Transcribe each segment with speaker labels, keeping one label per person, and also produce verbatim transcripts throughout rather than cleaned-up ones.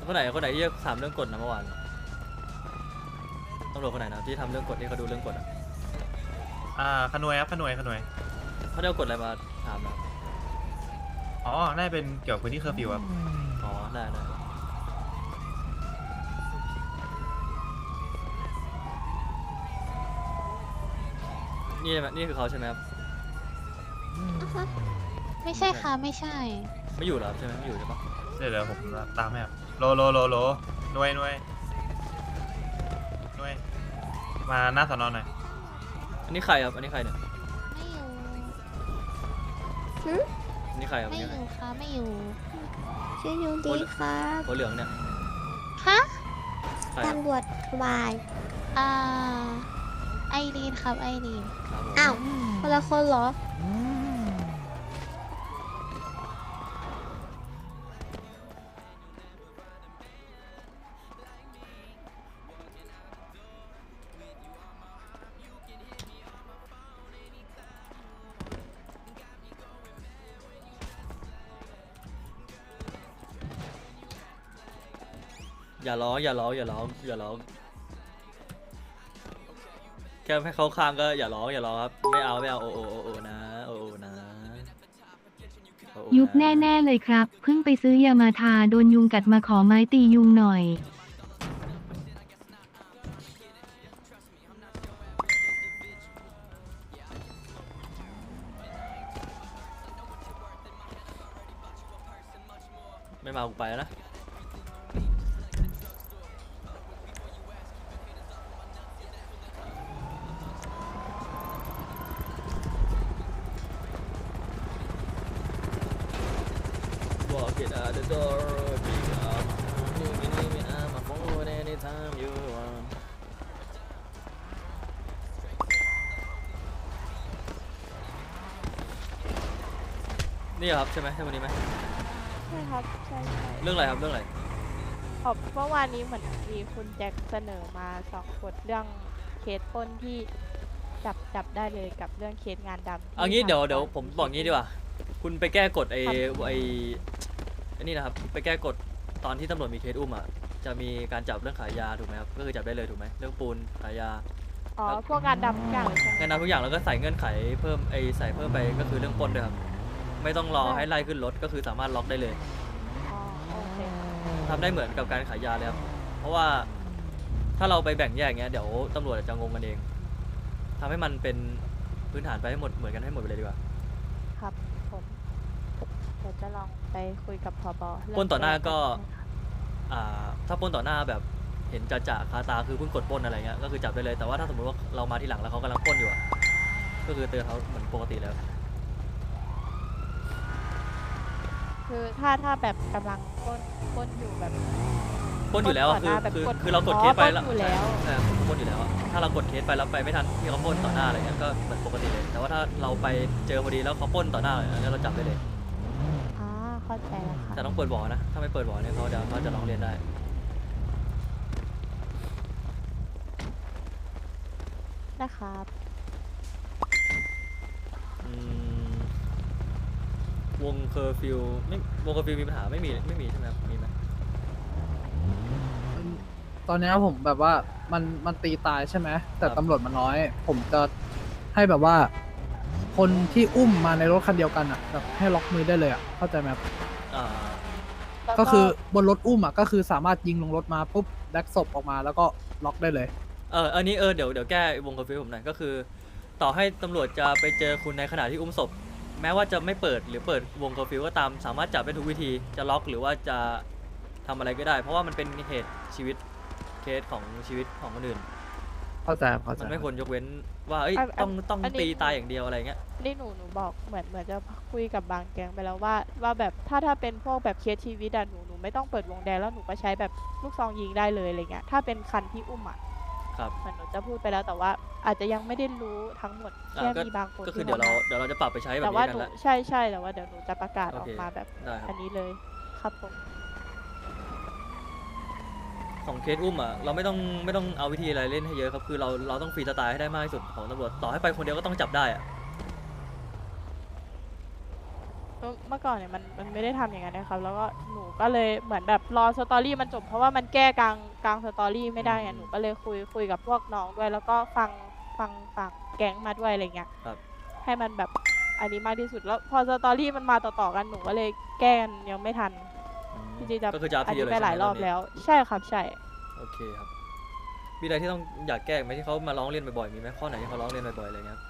Speaker 1: คนไหนคนไหนที่ถามเรื่องกฎนะเมื่อวานตำรวจคนไหนนะที่ทำเรื่องกฎที่เขาดูเรื่องกฎอ่ะ
Speaker 2: อ่าขนวยครับขนวยขนวย
Speaker 1: เขาได้เอากฎอะไรมาถามนะ
Speaker 2: อ๋อน่าจะเป็นเกี่ยวกับพื้นที่เคอร์ฟิวครับ
Speaker 1: อ๋อได้ได้นี่ใช่ไหมนี่คือเขาใช่ไหมครับ
Speaker 3: อ่ะฮะไม่ใช่ค่ะไม่ใช่
Speaker 1: ไม่อยู่เหรอครับใช่ไหมไม่อยู่ใช่ปะ
Speaker 2: เดี๋ยวเดี๋ยวผมตามให้ครับโลโลโลโลหน่วยหน่วยหน่วยมาหน้าสอนอหน่อย
Speaker 1: อันนี้ใครครับอันนี้ใครเนี่ย
Speaker 3: ไม่อยู่
Speaker 1: อันนี้ใครครับ
Speaker 3: ไม่
Speaker 1: อันนี้
Speaker 3: อ
Speaker 1: ใคร
Speaker 3: ยู่ค่ะไม่อยู่
Speaker 4: ชื่อยูดีครับ
Speaker 1: หัวเหลืองเนี่ย
Speaker 3: ฮะ
Speaker 1: ใครครับ
Speaker 4: ตำรวจวาย
Speaker 3: อ่าไอรีนครับไอรีน
Speaker 1: ครับผม
Speaker 4: อ้าวคนละคนเหรอ
Speaker 1: อย่าร้องอย่าร้องอย่าร้องอย่าร้องแค่ให้เขาข้างก็อย่าร้องอย่าร้องครับไม่เอาไม่เอาโอโอโอโอนะโอโอนะโอโอนะ
Speaker 5: ยุบแน่ ๆ เลยครับ เพิ่งไปซื้อยามาทาโดนยุงกัดมาขอไม้ตียุงหน่อย
Speaker 1: ไม่มากูไปแล้วนะบอกเกตอาเดอร์ดอร์บิ๊กอัพยูกินี่มีอามาโฟนแอนี่ทามยูวันนี่ครับใช่ไหมใช่วันนี้ไหม
Speaker 6: ใช่ครับใช่ใช่
Speaker 1: เรื่องอะไรครับเรื่องอะไร
Speaker 6: ขอบเมื่อวานนี้เหมือนมีคุณแจ็คเสนอมาสองกฎเรื่องเคสปล้นที่จับจับได้เลยกับเรื่องเคสงานดำที่
Speaker 1: เอางี้เดี๋ยว
Speaker 6: ทาง
Speaker 1: เดี๋ยว
Speaker 6: ฝั่ง
Speaker 1: ผมบอกงี้ดีกว่า คุณไปแก้กฎไอ้
Speaker 6: ครับ
Speaker 1: ไอ้ไอ้นี่นะครับไปแก้กฎตอนที่ตำรวจมีเคสอุ้มอ่ะจะมีการจับเรื่องขายยาถูกไหมครับก็คือจับได้เลยถูกไหมเรื่องปูนขายยา
Speaker 6: อ๋อพวกงานดำทุกอย่างเลยใช่ไหม
Speaker 1: งานนำทุกอย่างแล้วก็ใส่เงื่อนไขเพิ่มไอ้ใส่เพิ่มไปก็คือเรื่องปล้นด้วยครับไม่ต้องรอให้ไล่ขึ้นรถก็คือสามารถล็อกได้เลย
Speaker 6: อ๋อโอเค
Speaker 1: ทำได้เหมือนกับการขายยาเลยครับเพราะว่าถ้าเราไปแบ่งแยกอย่างเงี้ยเดี๋ยวตำรวจจะงงกันเองทำให้มันเป็นพื้นฐานไปให้หมดเหมือนกันให้หมดไปเลยดีกว่า
Speaker 6: ครับผมเดี๋ยวจะลองไปคุยกับพบเรื่อง
Speaker 1: ปล้นต่อหน้าก็
Speaker 6: แครับ
Speaker 1: อ่าถ้าปล้นต่อหน้าแบบเห็นจะจะคาตาคือเพิ่งกดปล้นอะไรเงี้ยก็คือจับได้เลยแต่ว่าถ้าสมมติว่าเรามาที่หลังแล้วเขากำลังปล้นอยู่อะก็คือเตือนเขาเหมือนปกติแล้ว
Speaker 6: คือถ้าถ้าแบบกำลังปล้นปล้นอยู่แบบ
Speaker 1: ปล้นอยู่แล้วอะ
Speaker 6: ปล้
Speaker 1: คื
Speaker 6: น
Speaker 1: อ
Speaker 6: ต่อหน้าแบบ
Speaker 1: คือก
Speaker 6: ด
Speaker 1: คือเรากด
Speaker 6: อ๋อ
Speaker 1: เคสไปแล้ว
Speaker 6: ปล้นอยู่แล้ว
Speaker 1: ใช่ครับปล้นอยู่แล้วอะถ้าเรากดเคสไปแล้วไปไม่ทันที่เขาปล้นต่อหน้าอะไรเงี้ยก็เหมือนปกติเลยแต่ว่าถ้าเราไปเจอพอดีแล้วเขาปล้นต่อหน้าเลยอันนี้เราจับได้เลย
Speaker 6: อ่าเข้าใจแล้วค่ะ
Speaker 1: แต่ต้องเปิดบ่อนะถ้าไม่เปิดบ่อเนี่ยเขาจะเขาจะร้องเรียนได้
Speaker 6: นะครับ
Speaker 1: อืมวงเคอร์ฟิวไม่วงเคอร์ฟิวมีปัญหาไม่มีไม่มีใช่ไหมครับมีไหม
Speaker 7: ตอนเนี้ยผมแบบว่ามันมันตีตายใช่ไหมแต่
Speaker 1: ครับ
Speaker 7: ตำรวจมันน้อย ผมจะให้แบบว่า คนที่อุ้มมาในรถคันเดียวกันอ่ะแบบให้ล็อกมือได้เลยอ่ะเข้าใจไหมครับ
Speaker 1: อ่า
Speaker 6: แล้ว
Speaker 7: ก็คือบนรถอุ้มอ่ะก็คือสามารถยิงลงรถมาปุ๊บแดกศพออกมาแล้วก็ล็อกได้เลย
Speaker 1: เอออันนี้เออเดี๋ยวเดี๋ยวแก้วงเคอร์ฟิวผมหน่อยก็คือ ต่อให้ตำรวจจะไปเจอคุณในขณะที่อุ้มศพ แม้ว่าจะไม่เปิดหรือเปิดวงเคอร์ฟิวก็ตามสามารถจับได้ทุกวิธีจะล็อกหรือว่าจะทำอะไรก็ได้ เพราะว่ามันเป็นเหตุชีวิตเคสของชีวิตของคนอื่น
Speaker 7: เข้าใจครับเข้าใจ
Speaker 1: มันไม่ควรยกเว้นว่าเอ้ย
Speaker 6: อัน
Speaker 1: ต้องต้อง
Speaker 6: อันนี้
Speaker 1: ตีตายอย่างเดียวอะไรเงี้ย
Speaker 6: นี่หนูหนูบอกเหมือนเหมือนจะคุยกับบางแกงไปแล้วว่าว่าแบบถ้าถ้าเป็นพวกแบบเคสชีวิตอะหนูหนูไม่ต้องเปิดวงแดงแล้วหนูก็ใช้แบบลูกซองยิงได้เลยอะไรเงี้ยถ้าเป็นคันที่อุ้มอะ
Speaker 1: ครับ
Speaker 6: เหมือนหนูจะพูดไปแล้วแต่ว่าอาจจะยังไม่ได้รู้ทั้งหมด
Speaker 1: อ่า
Speaker 6: แค่
Speaker 1: ก็
Speaker 6: มีบางคน
Speaker 1: ก็คือ
Speaker 6: ที่
Speaker 1: เดี๋ยวเรา
Speaker 6: ข้ม
Speaker 1: เดี๋ยวเราจะปรับไปใช้แบบ
Speaker 6: แต่
Speaker 1: นี้
Speaker 6: ว่า
Speaker 1: กั
Speaker 6: ห
Speaker 1: น
Speaker 6: นู
Speaker 1: ละ
Speaker 6: ใช่ใช่แต่ว่าเดี๋ยวหนูจะประกาศ
Speaker 1: โอ
Speaker 6: ออก
Speaker 1: เค
Speaker 6: มาแบบ
Speaker 1: ได้ครับ
Speaker 6: อันนี้เลยครับผม
Speaker 1: ของเคสอุ้มอ่ะเราไม่ต้องไม่ต้องเอาวิธีอะไรเล่นให้เยอะครับคือเราเราต้องฟรีสไตล์ให้ได้มากที่สุดของตำรวจต่อให้ไปคนเดียวก็ต้องจับได้อ่ะ
Speaker 6: โอเมื่อก่อนเนี่ยมันมันไม่ได้ทำอย่างนั้นนะครับ แล้วก็หนูก็เลยเหมือนแบบรอสตอรี่มันจบเพราะว่ามันแก้กลางกลางสตอรี่ไม่ได้ไงหนูก็เลยคุยคุยกับพวกน้องด้วย แล้วก็ฟังฟังฝั่งแก๊งมาด้วยอะไรเงี้ย
Speaker 1: ครับ
Speaker 6: ให้มันแบบอันนี้มากที่สุดแล้วพอสตอรี่มันมาต่อๆกันหนูก็เลยแก้กันยังไม่ทัน
Speaker 1: อืม
Speaker 6: จริงๆจะ
Speaker 1: ก็คือจะอัพ
Speaker 6: อัน
Speaker 1: ทีเดีย
Speaker 6: นี้
Speaker 1: วเลย
Speaker 6: ไปหลาย
Speaker 1: ใช่ไหม
Speaker 6: รอบ
Speaker 1: นี้
Speaker 6: แล้ว ใช่ครับใช่
Speaker 1: โอเคครับ มีอะไรที่ต้องอยากแก้ไหมที่เขามาร้องเรียนบ่อยๆ มีไหมข้อไหนที่เขาร้องเรียนบ่อยๆอะไรเงี้ยครับ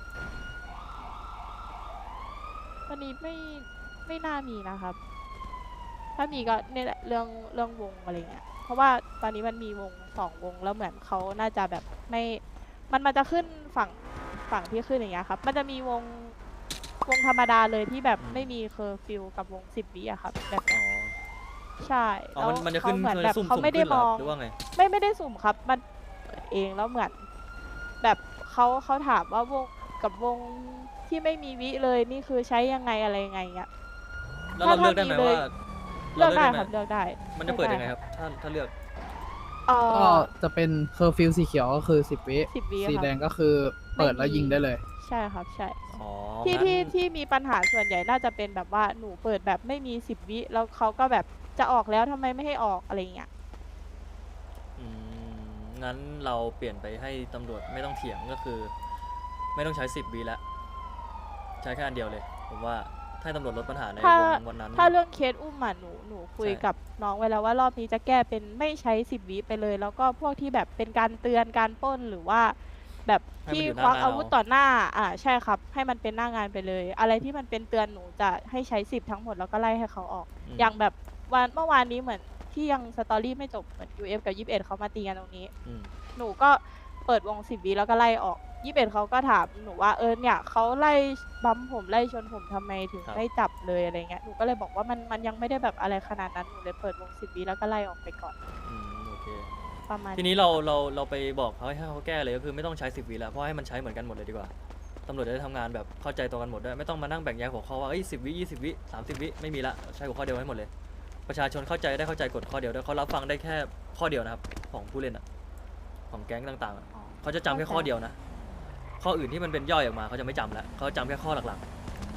Speaker 6: วันนี้ไม่ไม่น่ามีนะครับ ถ้ามีก็เนี่ยแหละเรื่องเรื่องวงอะไรเงี้ย เพราะว่าตอนนี้มันมีวงสองวงแล้วเหมือนเขาน่าจะแบบไม่ มันมันจะขึ้นฝั่งฝั่งที่ขึ้นอย่างเงี้ยครับ มันจะมีวงวงธรรมดาเลยที่แบบ
Speaker 1: อืม
Speaker 6: ไม่มีเคอร์ฟิวกับวงสิบวิอะครับแบบ
Speaker 1: อ๋อ
Speaker 6: ใช่
Speaker 1: อ๋อ
Speaker 6: แล้ว
Speaker 1: มันมันจะ
Speaker 6: เขา
Speaker 1: ขึ้น
Speaker 6: เหมือน
Speaker 1: มัน
Speaker 6: แบ
Speaker 1: จะ
Speaker 6: บ
Speaker 1: ซุ่ม
Speaker 6: เขา
Speaker 1: ซุ่ม
Speaker 6: ไม่ได้
Speaker 1: ขึ้นเหร
Speaker 6: ม
Speaker 1: อ
Speaker 6: อง
Speaker 1: หรือว่าไง
Speaker 6: ไม่ไม่ได้สุ่มครับ มันเปิดเองแล้วเหมือน แบบเขาเขาถามว่าวงกับวงที่ไม่มีวิเลยนี่คือใช้ยังไงอะไรยังไงเงี้ย
Speaker 1: แล้วเราเลือกได้ไหม
Speaker 6: ถ้ามีเลย
Speaker 1: ว่า
Speaker 6: เลือกได้
Speaker 1: หม
Speaker 6: ครับเลือกได้
Speaker 1: มันจะเปิดยังไง
Speaker 6: ลือก
Speaker 1: ครับ ถ้าถ้าเลือก
Speaker 6: เอ่
Speaker 7: ก็
Speaker 6: อ
Speaker 7: จะเป็นเคอร์ฟิวสีเขียวก็คือสิบวิ
Speaker 6: สิบวิ
Speaker 7: สี
Speaker 6: ครับ
Speaker 7: แดงก็คือเปิดแล้วยิงได้เลย
Speaker 6: ใช่ครับใช่
Speaker 1: อ๋อ
Speaker 6: ที่
Speaker 1: งั้น
Speaker 6: ที่ที่มีปัญหาส่วนใหญ่น่าจะเป็นแบบว่าหนูเปิดแบบไม่มีสิบวิแล้วเขาก็แบบจะออกแล้วทำไมไม่ให้ออกอะไรเงี้ย
Speaker 1: อืมงั้นเราเปลี่ยนไปให้ตำรวจไม่ต้องเถียงก็คือ ไม่ต้องใช้สิบวิแล้ว ใช้แค่อันเดียวเลย ผมว่าถ้าให้ตำรวจลดปัญหาใน
Speaker 6: ถ้าว
Speaker 1: งวันนั้น
Speaker 6: ถ้าเรื่องเคสอุ้มอ่ะหนูหนูคุย
Speaker 1: ใช่
Speaker 6: กับน้องไว้แล้วว่ารอบนี้จะแก้เป็นไม่ใช้สิบวิไปเลย แล้วก็พวกที่แบบเป็นการเตือนการปล้นหรือว่า แบบที่ควักอาวุธต่อหน้า อ่าใช่ครับ ให้มันเป็นหน้างานไปเลย อะไรที่มันเป็นเตือนหนูจะให้ใช้สิบทั้งหมดแล้วก็ไล่ให้เขาออก
Speaker 1: ม
Speaker 6: อย่างแบบวันเมื่อวานนี้เหมือนที่ยังสตอรี่ไม่จบเหมือน ยู เอฟ กับ ยี่สิบเอ็ดเขามาตีกันตรงนี้
Speaker 1: อืม
Speaker 6: หนูก็เปิดวงสิบวิแล้วก็ไล่ออกยี่สิบเอ็ดเขาก็ถามหนูว่าเออเนี่ยเขาไล่บัมผมไล่ชนผมทำไมถึง
Speaker 1: ครับ
Speaker 6: ไม่จับเลยอะไรเงี้ยหนูก็เลยบอกว่ามันมันยังไม่ได้แบบอะไรขนาดนั้นหนูเลยเปิดวงสิบวิแล้วก็ไล่ออกไปก่อน
Speaker 1: อืมโอเค
Speaker 6: ประมาณ
Speaker 1: ทีนี้เราเราเราไปบอกเขาให้เขาแก้เลยก็คือไม่ต้องใช้สิบวิแล้วเพราะให้มันใช้เหมือนกันหมดเลยดีกว่าตำรวจจะได้ทำงานแบบเข้าใจตรงกันหมดด้วยไม่ต้องมานั่งแบ่งแยกหัวข้อว่าเอ้ยสิบวิยี่สิบวิสามสิบวิไม่มีละใช้หัวข้อเดียวให้หมดเลย ประชาชนเข้าใจได้เข้าใจกฎข้อเดียวด้วยเขารับฟังได้แค่ข้อเดียวนะครับของผู้เล่นอะของแก๊งต่างๆอะ
Speaker 6: อ๋อ
Speaker 1: เขาจะจำแค่ข้อเดียวนะข้ออื่นที่มันเป็นย่อยออกมาเขาจะไม่จำแล้วเขาจำแค่ข้อหลัก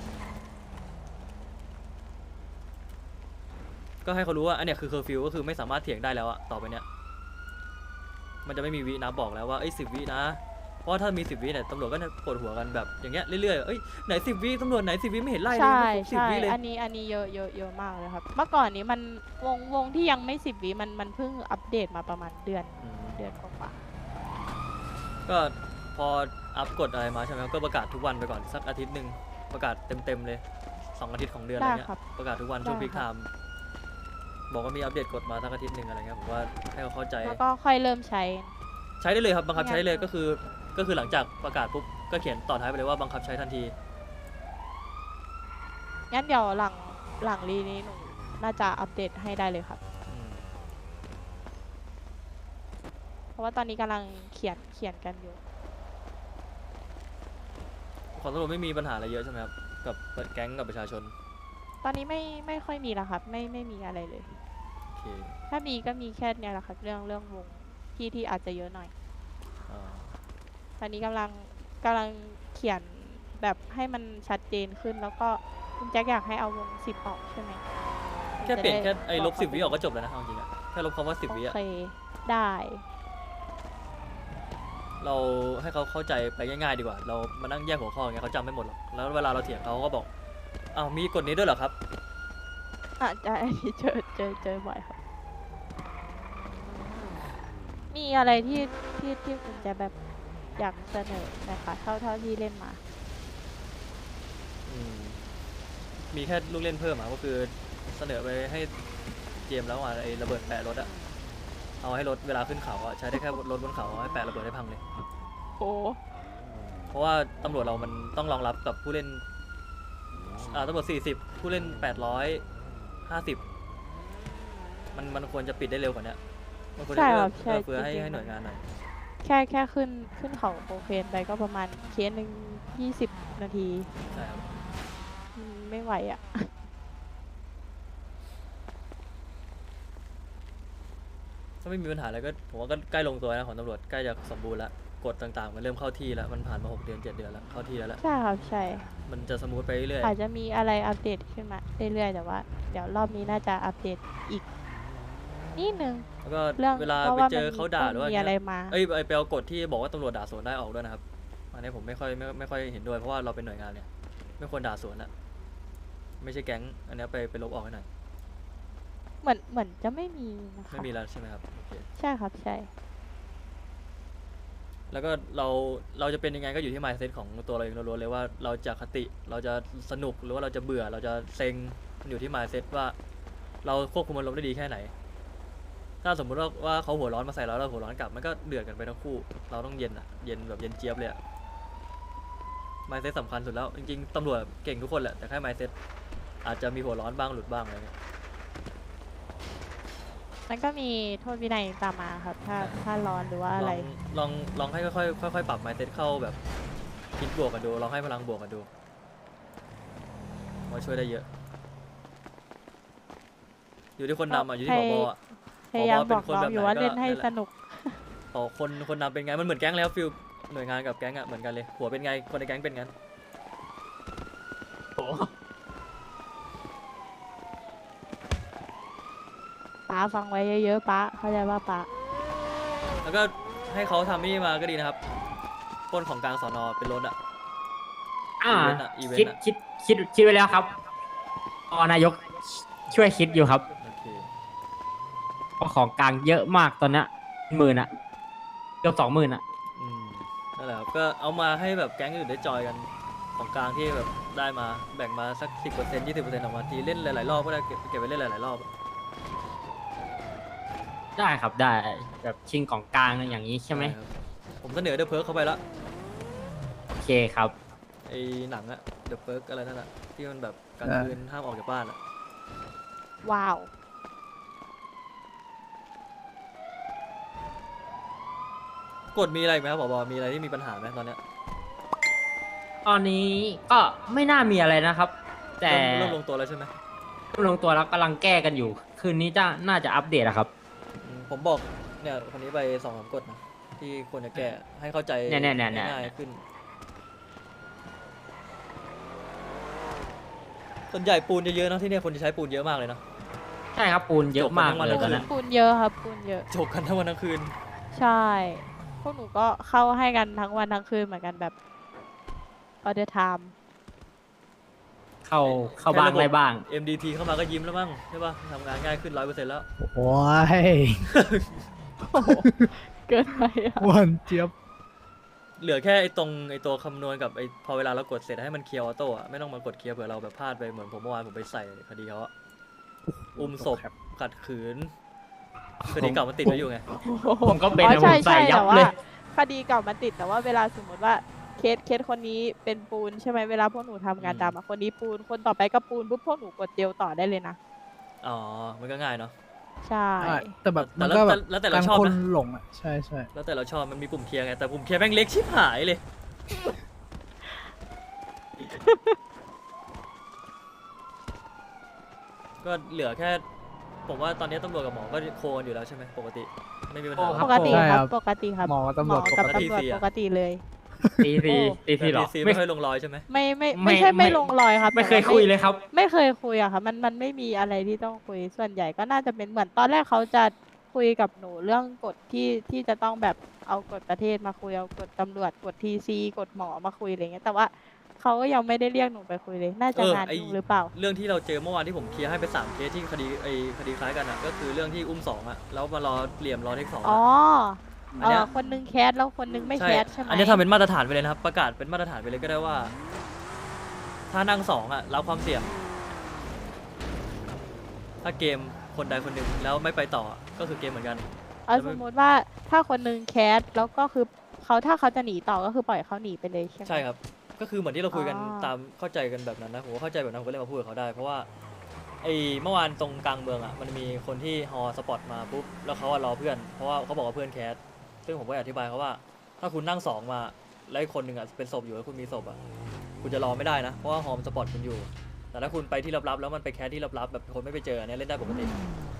Speaker 1: ๆก็ให้เขารู้ว่าอันเนี้ยคือเคอร์ฟิวก็คือไม่สามารถเถียงได้แล้วอะต่อไปเนี้ยมันจะไม่มีวินะบอกแล้วว่าเอ้ยสิบวินะเพราะว่าถ้ามีสิบวิเนี่ยตำรวจก็จะปวดหัวกันแบบอย่างเงี้ยเรื่อยๆเอ้ยไหนสิบวิตำรวจไหนสิบวิไม่เห็นไล่เลย
Speaker 6: ใช่
Speaker 1: สิบ
Speaker 6: ใช่
Speaker 1: วิเลย
Speaker 6: อันนี้อันนี้เยอะเยอะเยอะมากเลยครับ เมื่อก่อนนี้มันวงวงที่ยังไม่สิบวิมันมันเพิ่งอัปเดตมาประมาณเดือน
Speaker 1: อืม
Speaker 6: เดือนกว่า
Speaker 1: ก็พออัพกฎอะไรมาใช่ไหมครับก็ประกาศทุกวันไปก่อนสักอาทิตย์หนึ่งประกาศเต็มๆเลยสองอาทิตย์ของเดือนอะไรเงี้ยประกาศทุกวันช่วง
Speaker 6: ได้
Speaker 1: พีคไท
Speaker 6: ครับ
Speaker 1: ม์บอกว่ามีอัปเดตกฎมาสักอาทิตย์หนึ่งอะไรเงี้ยผมว่าให้เขาเข้าใจ
Speaker 6: ๆแล้วก็ค่อยเริ่มใช้
Speaker 1: ใช้ได้เลยครับบังคับ
Speaker 6: ไม่งั้น
Speaker 1: ใช้เลยก็คือก็คือหลังจากประกาศปุ๊บก็เขียนต่อท้ายไปเลยว่าบังคับใช้ทันที
Speaker 6: งั้นเดี๋ยวหลังหลังรีนี้หนูน่าจะอัปเดตให้ได้เลยครับ
Speaker 1: อืม
Speaker 6: เพราะว่าตอนนี้กำลังเขียนเขียนกันอยู่
Speaker 1: ของตำรวจไม่มีปัญหาอะไรเยอะใช่ไหมครับกับแก๊งกับประชาชน
Speaker 6: ตอนนี้ไม่ไม่ค่อยมีแล้วครับ ไม่ไม่มีอะไรเลย
Speaker 1: โอเค
Speaker 6: ถ้ามีก็มีแค่เนี่ยแหละครับเรื่องเรื่องวงที่ที่อาจจะเยอะหน่อย
Speaker 1: อ่า
Speaker 6: ตอนนี้กำลังกำลังเขียนแบบให้มันชัดเจนขึ้น แล้วก็คุณแจ็คอยากให้เอาวงสิบออกใช่ไหม
Speaker 1: แค่เปลี่ยน
Speaker 6: จะ
Speaker 1: แค่
Speaker 6: ได้
Speaker 1: ไอ้ลบ
Speaker 6: เขา
Speaker 1: สิบวิ
Speaker 6: ไป
Speaker 1: ออกก็จบแล้วนะเอาจริงอะแค่ลบคำว่าสิบวิ
Speaker 6: โอ
Speaker 1: อะ
Speaker 6: เคได้
Speaker 1: เราให้เขาเข้าใจไปง่ายๆดีกว่า เรามานั่งแยกหัวข้ออย่างเงี้ยเขาจำไม่หมดหรอกแล้วเวลาเราเถียงเขาก็บอกอ้าวมีกฎนี้ด้วยเหรอครับ
Speaker 6: อาจจะอันนี้เจอเจอเจอบ่อยครับ มีอะไรที่ที่ที่คุณจะแบบอยากเสนอไหมคะเท่าเท่าที่เล่นมา
Speaker 1: อืมมีแค่ลูกเล่นเพิ่มอะก็คือเสนอไปให้เจมส์แล้วอ่ะไอ้ระเบิดแปะรถอะเอาให้รถเวลาขึ้นเขาอะใช้ได้แค่รถบนเขาให้แปะระเบิดให้พังเลย
Speaker 6: โอ้
Speaker 1: เพราะว่าตำรวจเรามันต้องรองรับกับผู้เล่นอ่าตำรวจสี่สิบผู้เล่นแปดร้อยห้าสิบมันมันควรจะปิดได้เร็วกว่านี้มันควรจะ
Speaker 6: ใช่
Speaker 1: เอื้
Speaker 6: ค
Speaker 1: อ
Speaker 6: รับใช่
Speaker 1: เอื้อเฟื้อให้
Speaker 6: จริงๆ
Speaker 1: ให้หน่วยงานหน่อย
Speaker 6: แค่แค่ขึ้นขึ้นเขาโคเคนไปก็ประมาณเคสหนึ่งยี่สิบนาที
Speaker 1: ใช่ครับ
Speaker 6: อืมไม่ไหวอ่ะ
Speaker 1: ถ้าไม่มีปัญหาอะไรก็ผมว่าก็ใกล้ลงตัวนะของตำรวจใกล้จะสมบูรณ์แล้วกฎต่างๆมันเริ่มเข้าที่แล้วมันผ่านมาหกเดือนเจ็ดเดือนแล้วเข้าที่แล้วแหละ
Speaker 6: ใช่ครับใช่
Speaker 1: มันจะสมูทไปเรื่อย
Speaker 6: อาจจะมีอะไรอัปเดตขึ้นมาเรื่อยๆแต่ว่า เดี๋ยวรอบนี้น่าจะอัปเดตอีกนิดนึง
Speaker 1: ๆแล้วก็
Speaker 6: เรื่อง
Speaker 1: เวลา
Speaker 6: เพราะ
Speaker 1: ไป
Speaker 6: ว่า
Speaker 1: เจอ
Speaker 6: มัน
Speaker 1: เขาด่าหรือว่า
Speaker 6: มีอะไรมา
Speaker 1: เอ้ยไปไปเอากฎที่บอกว่าตำรวจด่าสวนได้ออกด้วยนะครับอันนี้ผมไม่ค่อยไม่ไม่ค่อยเห็นด้วยเพราะว่าเราเป็นหน่วยงานเนี่ยไม่ควรด่าสวนอะไม่ใช่แก๊งอันนี้ไปไปลบออกให้หน่อย
Speaker 6: เหมือนเหมือนจะไม่มีนะคะ
Speaker 1: ไม่มีแล้วใช่ไหมครับโอเค
Speaker 6: ใช่ครับใช่
Speaker 1: แล้วก็เราเราจะเป็นยังไงก็อยู่ที่ mindset ของตัวเราเองล้วนๆเลยว่าเราจะคติเราจะสนุกหรือว่าเราจะเบื่อเราจะเซ็งมันอยู่ที่ mindset ว่าเราควบคุมอารมณ์ได้ดีแค่ไหน ถ้าสมมุติว่าว่าเขาหัวร้อนมาใส่เราแล้วเราหัวร้อนกลับมันก็เดือดกันไปทั้งคู่เราต้องเย็นอะเย็นแบบเย็นเจี๊ยบเลยอะ mindset สำคัญสุดแล้วจริงๆตำรวจเก่งทุกคนแหละแต่แค่ mindset อาจจะมีหัวร้อนบ้างหลุดบ้างอะไรเงี้ย
Speaker 6: มันก็มีโทษวินัยตามมาครับ ถ้าถ้าร้อนหรือว่าอะไร
Speaker 1: ลองลองลองให้ค่อยๆค่อยๆปรับ mindset เข้าแบบคิดบวกกันดูลองให้พลังบวกกันดูมาช่วยได้เยอะ อยู่ที่คนนำอ่ะอยู่ที่ผบอ่ะ
Speaker 6: พยายาม
Speaker 1: ผ
Speaker 6: บอก
Speaker 1: เป็นคน
Speaker 6: น้อง
Speaker 1: แบบ
Speaker 6: อยู่
Speaker 1: ไหน
Speaker 6: ว่า
Speaker 1: ก็
Speaker 6: เล่นให้
Speaker 1: นั่นแหละ
Speaker 6: สนุก
Speaker 1: พอคนคนนำเป็นไงมันเหมือนแก๊งแล้วฟิลหน่วยงานกับแก๊งอ่ะเหมือนกันเลยหัวเป็นไงคนในแก๊งเป็นงั้น
Speaker 6: ป้าฟังไว้เยอะๆป้าเข้าใจว่าป้า
Speaker 1: แล้วก็ให้เขาทำนี่มาก็ดีนะครับปล้นของกลางสอนอเป็นรถอ่ะ
Speaker 8: อ่า
Speaker 1: อีเวนต์อะอีเวน
Speaker 8: คิด
Speaker 1: ต์อะ
Speaker 8: คิดคิดคิดไว้แล้วครับพอนายกช่วยคิดอยู่ครับ
Speaker 1: โอเค
Speaker 8: เพราะของกลางเยอะมากตอนเนี้ยหมื่นอะเกือบสองหมื่นอะ
Speaker 1: อืมนั่นแหละครับก็เอามาให้แบบแก๊งอื่นได้จอยกันของกลางที่แบบได้มาแบ่งมาสักสิบเปอร์เซ็นต์ยี่สิบเปอร์เซ็นต์ออกมาทีเล่นหลายๆรอบก็ได้เก็บเก็บไปเล่นหลายๆรอบ
Speaker 8: ได้ครับได้แบบชิงของกลางอย่างนี้ใช่ไหม
Speaker 1: ครับผมเสนอเดอะเพิร์กเข้าไปแล้ว
Speaker 8: โอเคครับ
Speaker 1: ไอ้หนังอะเดอะเพิร์กอะไรนั่นอะที่มันแบบกลางคืนห้ามออกจากบ้านอะ
Speaker 6: ว้าว
Speaker 1: กฎมีอะไรอีกไหมครับผบมีอะไรที่มีปัญหาไหมตอนเนี้ย
Speaker 8: ตอนนี้ก็ไม่น่ามีอะไรนะครับ แต่
Speaker 1: เริ่มเริ่มลงตัวแล้วใช่ไหม
Speaker 8: เริ่มลงตัวแล้วกำลังแก้กันอยู่ คืนนี้จะน่าจะอัปเดตอะครับ
Speaker 1: อืมผมบอกเนี่ยคนนี้ไปสองสามกฎนะที่ควรจะแก้ให้เข้าใจ
Speaker 8: เนี่ยเนี่ยเนี่ยเนี่ย
Speaker 1: ง่ายๆขึ้นส่วนใหญ่ปูนเยอะๆเนอะที่เนี่ยคนจะใช้ปูนเยอะมากเลยเนาะ
Speaker 8: ใช่ครับปูนเยอะมาก
Speaker 1: จบกันทั้งวัน
Speaker 8: เลย
Speaker 1: ทั้ง
Speaker 8: ตอน
Speaker 1: คื
Speaker 8: นั้น
Speaker 6: ปูนเยอะครับปูนเยอะ
Speaker 1: จบกันทั้งวันทั้งคืน
Speaker 6: ใช่ พวกหนูก็เข้าให้กันทั้งวันทั้งคืนเหมือนกันแบบ all the time
Speaker 8: เข้าเข้าบ้างไรบ้าง
Speaker 1: เอ็ม ดี ที เข้ามาก็ยิ้มแล้วมั้งใช่ป่ะทำงานง่ายขึ้นร้อยเปอร์เซ็นต์แล้ว
Speaker 7: โอ้ย
Speaker 6: โอ้โหเกินไปอะ
Speaker 7: หวันเจี๊ยบ
Speaker 1: เหลือแค่ไอ้ตรงไอ้ตัวคำนวณกับไอ้พอเวลาเรากดเสร็จให้มันเคลียร์ออโต้อะไม่ต้องมากดเคลียร์เผื่อเราแบบพลาดไปเหมือนผมเมื่อวานผมไปใส่คดีเขาอะอุ้มศพขัดขืนคดีเก่ามันติดไว้อยู่ไง
Speaker 8: ผมก็เป็น
Speaker 6: อ๋อ
Speaker 8: นะ
Speaker 6: ใช่
Speaker 8: ผมใส่
Speaker 6: ใช่
Speaker 8: ยับ
Speaker 6: แต่ว่า
Speaker 8: เลย
Speaker 6: คดีเก่ามันติดแต่ว่าเวลาสมมติว่าเคสเคสคนนี้เป็นปูนใช่ไหมเวลาพวกหนูทำงาน
Speaker 1: อืม
Speaker 6: ดำอะคนนี้ปูนคนต่อไปก็ปูนปุ๊บพวกหนูกดเดียวต่อได้เลยนะ
Speaker 1: อ๋อมันก็ง่ายเนาะ
Speaker 6: ใช่
Speaker 7: ใช่แต่แบบ
Speaker 1: แต่
Speaker 7: มัน
Speaker 1: แล้ว
Speaker 7: ก็แบบ
Speaker 1: แล้วแต่เรา
Speaker 7: การ
Speaker 1: ชอบ
Speaker 7: คน
Speaker 1: นะ
Speaker 7: หลงอ่ะใช่ใช่
Speaker 1: แล้วแต่เราชอบมันมีปุ่มเคลียร์ไงแต่ปุ่มเคลียร์แม่งเล็กชิบหายเลย ก็เหลือแค่ ผมว่าตอนนี้ตำรวจกับหมอก็โคกันอยู่แล้วใช่ไหมปกติไม่มีปัญหา
Speaker 8: โอ้ค
Speaker 6: ป
Speaker 8: รับ
Speaker 6: กติครับปกติครับ
Speaker 7: หมอกับตำรวจ
Speaker 6: กับ
Speaker 7: ปกติ
Speaker 6: ตำรวจ
Speaker 1: ปกติ
Speaker 6: ปกติเลย
Speaker 8: ตีซีตีซีหรอ
Speaker 1: ซี
Speaker 8: ไม่
Speaker 1: ไม่ค่อยลงรอยใช่ไหม
Speaker 6: ไม่ไม่
Speaker 8: ไม่
Speaker 6: ไม่ใช่
Speaker 8: ไม่
Speaker 6: ไม่ลงรอยครับ
Speaker 8: ไม่เคย
Speaker 6: แต่ว่า
Speaker 8: คุยเลยครับ
Speaker 6: ไม่เคยคุยอะค่ะมันมันไม่มีอะไรที่ต้องคุยส่วนใหญ่ก็น่าจะเป็นเหมือนตอนแรกเขาจะคุยกับหนูเรื่องกฎที่ที่จะต้องแบบเอากฎประเทศมาคุยเอากฎตำรวจกฎทีซีกฎหมอมาคุยอะไรเงี้ยแต่ว่าเขาก็ยังไม่ได้เรียกหนูไปคุยเลย น่าจะ
Speaker 1: เออ
Speaker 6: งาน
Speaker 1: ไอ้
Speaker 6: ยุ่งหรือเปล่า
Speaker 1: เรื่องที่เราเจอเมื่อวานที่ผมเคลียร์ให้ไปสามเคสที่คดีไอ้คดีคล้ายกันอ่ะก็คือเรื่องที่อุ้มสองอ่ะแล้วมารอเหลี่ยมรอเทคสอง
Speaker 6: อ๋อ
Speaker 1: อันเนี้
Speaker 6: เอย อคนนึงแคสแล้วคนนึงไม่แคสใช่ไหม
Speaker 1: อันนี้ทำเป็นมาตรฐานไปเลยนะครับ ประกาศเป็นมาตรฐานไปเลยก็ได้ว่า ถ้านั่งสองอ่ะรับความเสี่ยง ถ้าเกมคนใดคนหนึ่งแล้วไม่ไปต่อก็คือเกมเหมือนกัน
Speaker 6: เอาสมมติว่าถ้าคนนึงแคสแล้วก็คือเขาถ้าเขาจะหนีต่อก็คือปล่อยเขาหนีไปเลยใช่ไหม
Speaker 1: ใช่ครับ ก็คือเหมือนที่เราคุยกัน
Speaker 6: อ๋อ
Speaker 1: ตามเข้าใจกันแบบนั้นนะผมก็เข้าใจแบบนั้นผมก็เลยมาพูดกับเขาได้ เพราะว่าไอ้เมื่อวานตรงกลางเมืองอ่ะมันมีคนที่ฮอสปอตมาปุ๊บแล้วเขาอะรอเพื่อนเพราะว่าเขาบอกว่าเพื่อนแคสซึ่งผมก็อธิบายเขาว่า ถ้าคุณนั่งสองมาแล้วอีกคนหนึ่งอ่ะเป็นศพอยู่แล้วคุณมีศพอ่ะคุณจะรอไม่ได้นะเพราะว่าฮอมสปอตคุณอยู่ แต่ถ้าคุณไปที่ลับๆแล้วมันไปแคสที่ลับๆแบบคนไม่ไปเจออันเนี้ยเล่นได้ปกติ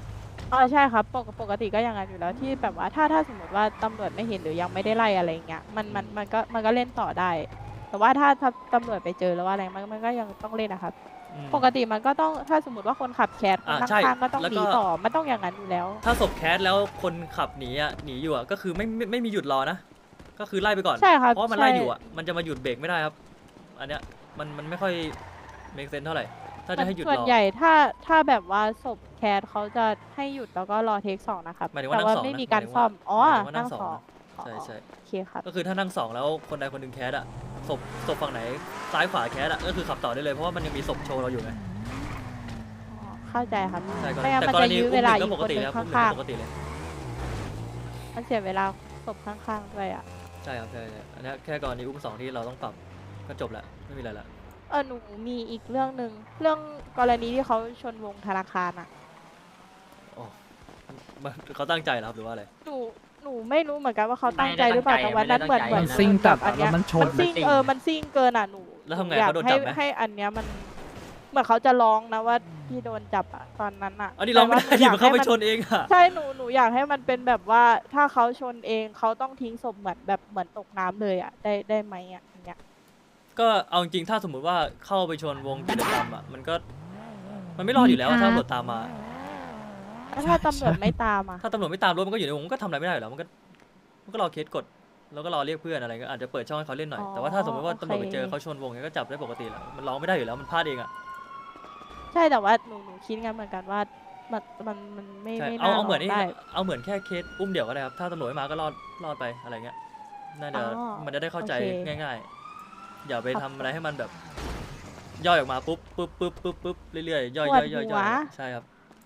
Speaker 6: อ๋อใช่ครับปกปกติก็อย่างนั้นอยู่แล้วที่แบบว่าถ้าถ้าสมมติว่าตำรวจไม่เห็นหรือยังไม่ได้ไล่อะไรเงี้ยมันมันมันก็มันก็เล่นต่อได้ แต่ว่าถ้าถ้าตำรวจไปเจอแล้วว่าอะไรมันมันก็ยังต้องเล่นนะครับ
Speaker 1: อืม
Speaker 6: ปกติมันก็ต้องถ้าสมมติว่าคนขับแคสคน
Speaker 1: อ่า
Speaker 6: นั่ง
Speaker 1: ใช่
Speaker 6: ข้างก็ต้อง
Speaker 1: แล้ว
Speaker 6: ห
Speaker 1: ก็
Speaker 6: นีต่อมันต้องอย่างนั้นอยู่แล้ว
Speaker 1: ถ้าศพแคสแล้วคนขับหนีอ่ะหนีอยู่อ่ะก็คือไม่ไม่ไม่มีหยุดรอนะ ก็คือไล่ไปก่อน
Speaker 6: ใช่ครับ
Speaker 1: เพราะมัน
Speaker 6: ใช่
Speaker 1: ไล่อยู่อ่ะมันจะมาหยุดเบรกไม่ได้ครับ อันเนี้ยมันมันไม่ค่อย make sense เท่าไหร่ ถ้าจะให้หยุด
Speaker 6: ส่วน
Speaker 1: รอ
Speaker 6: ใหญ่ถ้าถ้าแบบว่าศพแคสเขาจะให้หยุดแล้วก็รอเทคสองนะครับ
Speaker 1: หมายถึงว่า
Speaker 6: แต่
Speaker 1: นั่
Speaker 6: ว่าง
Speaker 1: สอง
Speaker 6: ไม่
Speaker 1: นะ
Speaker 6: มีการ
Speaker 1: หมายถึง
Speaker 6: ซ่อม
Speaker 1: ว่า
Speaker 6: อ๋อ
Speaker 1: หมายถึงว่านั่
Speaker 6: นั่
Speaker 1: ง
Speaker 6: ง
Speaker 1: สอง
Speaker 6: สอง
Speaker 1: นะ
Speaker 6: อ๋อ
Speaker 1: ใช่ใช่
Speaker 6: โอเคครับ
Speaker 1: ก็คือถ้านั่งสองแล้วคนใดคนหนึ่งแคสอ่ะศพศพฝั่งไหนซ้ายขวาแคสอ่ะก็คือขับต่อได้เลยเพราะว่ามันยังมีศพโชว์เราอยู่ไง
Speaker 6: อ๋อเข้าใจครับ
Speaker 1: ใช่ก็
Speaker 6: ไม่งั้น
Speaker 1: แต่
Speaker 6: มัน
Speaker 1: กร
Speaker 6: จะ
Speaker 1: ณี
Speaker 6: ยื้อ
Speaker 1: อุ้ม
Speaker 6: เว
Speaker 1: ห
Speaker 6: ลา
Speaker 1: นึ่ง
Speaker 6: อี
Speaker 1: ก็
Speaker 6: ก
Speaker 1: ป
Speaker 6: ค
Speaker 1: ก
Speaker 6: น
Speaker 1: ติ
Speaker 6: หนึ
Speaker 1: เลย
Speaker 6: ง
Speaker 1: ครับอุ้มหนึ่ง
Speaker 6: ข้าง
Speaker 1: ก็ปกติเลย
Speaker 6: ๆมันเสียเวลาศพข้างๆด้วยอ่ะ
Speaker 1: ใช่ครับใช่ใช่อันเนี้ยแค่กรณีอุ้มสองที่เราต้องปรับก็จบละไม่มีอะไรละ
Speaker 6: เออหนูมีอีกเรื่องหนึ่งเรื่องกรณีที่เขาชนวงธนาคารอ่ะ
Speaker 1: อ๋อมันเขาตั้งใจเหรอครับหรือว่าอะไร
Speaker 6: หนูหนูไม่รู้เหมือนกันว่าเขาตั้งใจหรือเปล่าแต่วันนั้นเหมือนเหมือน
Speaker 7: มันซิ่งจัด
Speaker 6: อั
Speaker 7: อะ
Speaker 6: น
Speaker 7: แล้
Speaker 6: เนี้
Speaker 7: วยมันชน
Speaker 6: มันซิ่งเออมันซิ่งเกินอ่ะหนู
Speaker 1: แล้วทำไง
Speaker 6: อยาก
Speaker 1: เขาโดน
Speaker 6: ให้
Speaker 1: จับไหม
Speaker 6: ให้อันเนี้ยมันเหมือนเขาจะร้องนะว่าที่โดนจับอ่ะตอนนั้นอ่ะ
Speaker 1: อันนี้เราไม่ได้
Speaker 6: แต่
Speaker 1: ดิ
Speaker 6: ว่
Speaker 1: มันเข้าไป
Speaker 6: ให้
Speaker 1: ชนเองอะ
Speaker 6: ใช่หนูหนูอยากให้มันเป็นแบบว่าถ้าเขาชนเองเขาต้องทิ้งศพเหมือนแบบเหมือนตกน้ำเลยอ่ะได้ได้ไหมอ่ะอย่างเงี้ย
Speaker 1: ก็เอาจริงๆถ้าสมมุติว่าเข้าไปชนวงกิจกรรมอะมันก็มันไม่รอดอยู่แล้วอะถ้าตำรวจตามมา
Speaker 6: แล้วถ้าตำรวจไม่ตามอ่ะ
Speaker 1: ถ้าตำรวจไม่ตามรถมันก็อยู่ในวงมันก็ทำอะไรไม่ได้อยู่แล้วมันก็มันก็รอเคสกดแล้วก็รอเรียกเพื่อนอะไรก็อาจจะเปิดช่องให้เขาเล่นหน่อยแต่ว่าถ้าสมมติว่าตำรวจไปเจอเขาชนวงเนี้ยก็จับได้ปกติแหละมันร้องไม่ได้อยู่แล้วมันพลาดเองอะ
Speaker 6: ใช่แต่ว่าหนูหนูคิดงั้นเหมือนกันว่ามันมันมันไม่
Speaker 1: ใช่
Speaker 6: ไม่
Speaker 1: เอา
Speaker 6: น่า
Speaker 1: เอาเหมือนนี่
Speaker 6: ได้
Speaker 1: เอาเหมือนแค่เคสอุ้มเดี่ยวก็ได้ครับถ้าตำรวจไม่มาก็รอดรอดไปอะไรเงี้ยน่าจะ
Speaker 6: อ๋อ
Speaker 1: มันจะได้เข้าใจ
Speaker 6: โอเค
Speaker 1: ง่ายๆอย่าไป
Speaker 6: ครั
Speaker 1: ทำ
Speaker 6: บ
Speaker 1: อะไรให้มันแบบย่อยออกมาปุ๊บปุ๊บปุ๊บปุ๊บปุ๊บเรื่อยๆย่อย
Speaker 6: ปวด
Speaker 1: ย่อยย่อย
Speaker 6: หั
Speaker 1: ย่
Speaker 6: ว
Speaker 1: อยใช่ครับ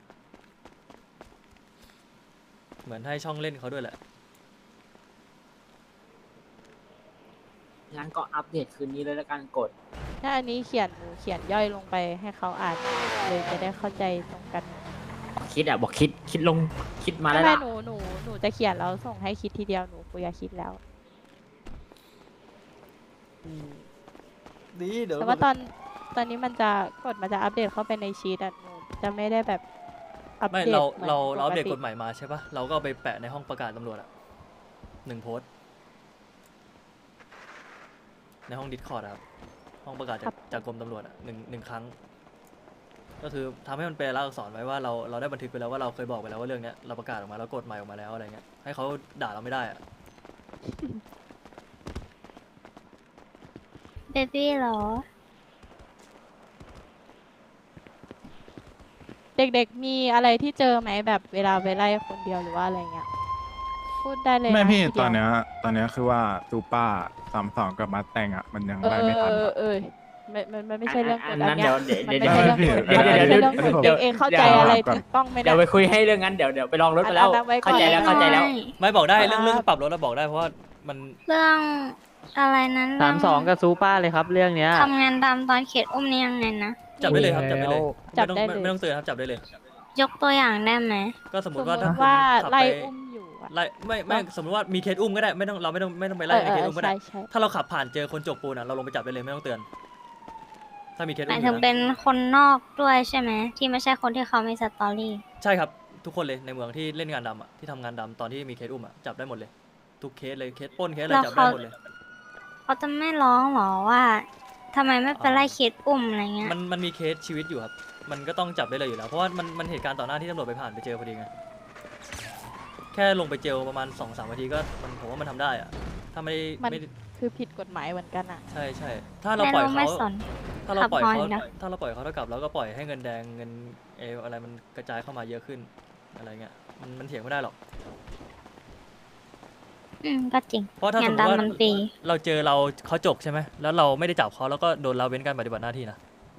Speaker 1: เหมือนให้ช่องเล่นเขาด้วยแหละ
Speaker 8: งั้นก็อัปเดตคืนนี้เลยแล้วกันกด
Speaker 6: ถ้าอันนี้เขียนหนูเขียนย่อยลงไปให้เขาอ่านเลยจะได้เข้าใจตรงกัน
Speaker 8: คิดอ่ะบอกคิดคิดลงคิดมา
Speaker 6: ไม่
Speaker 8: แล้ว
Speaker 6: ไม่
Speaker 8: ล่ะ
Speaker 6: หนูหนูหนูจะเขียนแล้วส่งให้คิดทีเดียวหนูคุยกับคิดแล้ว
Speaker 1: ดีเดี๋ยว
Speaker 6: แต่ว่าตอนตอนนี้มันจะกดมันจะอัปเดตเข้าไปในชีตอ่ะหนูจะไม่ได้แบบอัป
Speaker 1: ไม่
Speaker 6: เดต
Speaker 1: เรา
Speaker 6: หมือน
Speaker 1: เราเราอัปเดต
Speaker 6: ป
Speaker 1: กฎหมายมาใช่ปะเราก็เอาไปแปะในห้องประกาศตำรวจอะหนึ่งโพสต์ในห้องดิสคอร์ดครับห้องประกาศจากจากกรมตำรวจอะหนึ่งหนึ่งครั้ง ก็คือทำให้มันเป็นลายลักษณ์อักษรไว้ว่าเราเราได้บันทึกไปแล้วว่าเราเคยบอกไปแล้วว่าเรื่องเนี้ยเราประกาศออกมาแล้วกฎหมายออกมาแล้วอะไรเงี้ยให้เขาด่าเราไม่ได้อะ
Speaker 3: เบบี้เหรอ
Speaker 6: เด็กๆมีอะไรที่เจอไหมแบบเวลาไปไล่คนเดียวหรือว่าอะไรเงี้ยพูดได้เลย
Speaker 9: ไม่
Speaker 6: นะ
Speaker 9: พี่
Speaker 6: ทีเดียว
Speaker 9: ตอนเนี้ยตอนเนี้ยคือว่าซูป้าสามสองกับมาแต่งอ่ะ มันยัง
Speaker 6: เออ
Speaker 9: ไล่
Speaker 6: เอ
Speaker 9: ไม่
Speaker 6: อ
Speaker 9: ทัน
Speaker 6: เออ
Speaker 9: อะ
Speaker 6: เออไม่มันมันไม่ใช่เรื่องก
Speaker 8: อั
Speaker 6: ฎ
Speaker 8: น
Speaker 6: อั
Speaker 8: นั้น
Speaker 6: นเนี้ย
Speaker 8: เดี๋ยว
Speaker 6: มัน
Speaker 8: เดี๋ยว
Speaker 6: ไม่ใช่เรื่องกฎ
Speaker 9: เดี๋ยว
Speaker 6: ไม่ใช่
Speaker 9: เดี๋ยว
Speaker 6: เรื่องกฎ
Speaker 9: เดี๋ยว
Speaker 6: เองเข้าใจ
Speaker 9: เดี๋ยว
Speaker 6: อะไร
Speaker 9: ก่อน
Speaker 6: ถูกต้องไหม
Speaker 8: เดี๋
Speaker 6: เนี่ย
Speaker 8: วย ไปคุยให้เรื่องนั้นเดี๋ยวเดี๋ยวไปลองรถไปแล้ว
Speaker 6: อันนั้นไว้ก่อน
Speaker 8: เข้าใจแล้วเข้าใจแล้ว
Speaker 1: ไม่บอกได้
Speaker 6: อ่า
Speaker 1: เรื่องเรื่องปรับรถเราบอกได้เพราะว่ามัน
Speaker 4: เรื่องอะไรนั้น
Speaker 10: สามสองกับซูป้าเลยครับเรื่องเนี้ย
Speaker 4: ทำงานตามตอนเขตอุ้มนี่ยังไงนะ
Speaker 1: จับได้เลยครับจับได้เลย
Speaker 6: จับ
Speaker 1: ไม่ต้อง
Speaker 6: ได้เลย
Speaker 1: ไม่ต้องเตือนครับจับได้เลย
Speaker 4: ยกตัวอย่างได้ไหม
Speaker 1: ก็สมม
Speaker 6: สม
Speaker 1: ติ
Speaker 6: ม
Speaker 1: ว่า
Speaker 6: ติ
Speaker 1: ถ้า
Speaker 6: ว่า
Speaker 1: คุณขับ
Speaker 6: ไล่
Speaker 1: ไป
Speaker 6: อุ้มอยู่อะ
Speaker 1: ไล่ไม่ไม่สมมติว่ามีเคสอุ้มก็ได้ไม่ต้องเราไม่ต้องไม่ต้องไปไล่ในเคสอุ้มก็ได้
Speaker 6: ใช่ใช่
Speaker 1: ถ้าเราขับผ่านเจอคนจกปูนอ่ะเราลงไปจับได้เลยไม่ต้องเตือน ถ้ามีเคส
Speaker 4: ห
Speaker 1: อุ้
Speaker 4: มาม ย
Speaker 1: อ
Speaker 4: ถึ
Speaker 1: ยู่
Speaker 4: ง
Speaker 1: นะ
Speaker 4: เป็นคนนอกด้วยใช่ไหม ที่ไม่ใช่คนที่เขามีสตอรี่
Speaker 1: ใช่ครับทุกคนเลยในเมืองที่เล่นงานดำอ่ะที่ทำงานดำตอนที่มีเคสอุ้มอ่ะจับได้หมดเลย ทุกเคสเลยเคสปล้นเคสอะไร
Speaker 4: แล้ว
Speaker 1: จับได้
Speaker 4: เขา
Speaker 1: หมดเลย
Speaker 4: เขาจะไม่ร้องหรอว่าทำไมไม่ไปไล่เคสอุ้มอะไรเงี้ย
Speaker 1: มันมันมีเคสชีวิตอยู่ครับมันก็ต้องจับได้เลยอยู่แล้วเพราะว่ามันมันเหตุการณ์ต่อหน้าที่ตำรวจไปผ่านไปเจอพอดีไงแค่ลงไปเจลประมาณสองสามนาทีก็มันผมว่ามันทำได้อ่ะถ้าไม่
Speaker 6: มัน
Speaker 1: ไม่
Speaker 6: คือผิดกฎหมายเหมือนกันอ่ะ
Speaker 1: ใช่ใช่ถ้าเรา
Speaker 4: ไม่
Speaker 1: ปล่อย
Speaker 4: รู้ไม่
Speaker 1: เขา
Speaker 4: สน
Speaker 1: ถ้าเราปล่อย
Speaker 4: ขับ
Speaker 1: เขา
Speaker 4: ฮอนนะ
Speaker 1: ถ้าเราปล่อยเขาเท่ากับเราก็ปล่อยให้เงินแดงเงินเอออะไรมันกระจายเข้ามาเยอะขึ้นอะไรเงี้ยมันมันเถียงไม่ได้หรอก
Speaker 4: อืมก็จริง
Speaker 1: เพราะถ้าส
Speaker 4: งาม น
Speaker 1: มติว่า
Speaker 4: ดำมันฟรี
Speaker 1: เราเจอเราเขาจกใช่ไหมแล้วเราไม่ได้จับเขาแล้วก็โดนเราเว้นการปฏิบัติหน้าที่นะ